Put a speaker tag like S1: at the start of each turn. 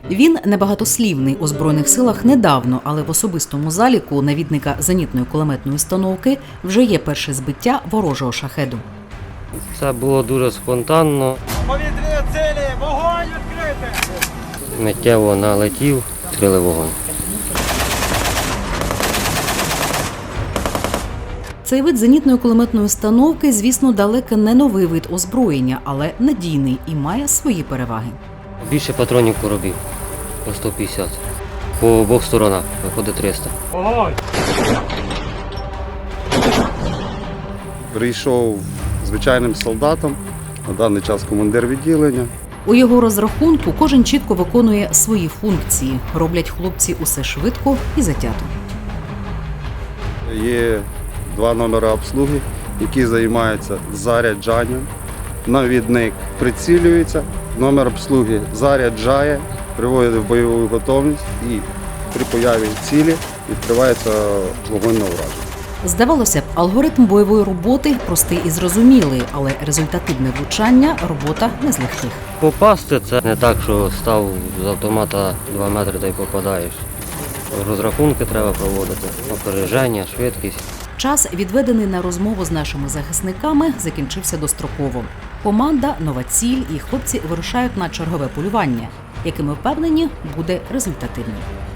S1: Він небагатослівний у Збройних силах недавно, але в особистому заліку навідника зенітної кулеметної установки вже є перше збиття ворожого шахеду.
S2: Це було дуже спонтанно.
S3: Повітряні цілі! Вогонь відкрити!
S2: Миттєво налетів, відкрили вогонь.
S1: Цей вид зенітної кулеметної установки, звісно, далеко не новий вид озброєння, але надійний і має свої переваги.
S2: Більше патронів коробів по 150. По обох сторонах виходить 300.
S3: Вогонь!
S4: Прийшов звичайним солдатом, на даний час командир відділення.
S1: У його розрахунку кожен чітко виконує свої функції. Роблять хлопці усе швидко і затято.
S4: Є 2 номери обслуги, які займаються заряджанням. Навідник прицілюється, номер обслуги заряджає, приводить в бойову готовність і при появі цілі відкривається вогонь на ураження.
S1: Здавалося б, алгоритм бойової роботи простий і зрозумілий, але результативне влучання – робота не з легких.
S2: Попасти це не так, що став з автомата 2 метри та й попадаєш. Розрахунки треба проводити, опереження, швидкість.
S1: Час, відведений на розмову з нашими захисниками, закінчився достроково. Команда, нова ціль і хлопці вирушають на чергове полювання, яке, ми впевнені, буде результативним.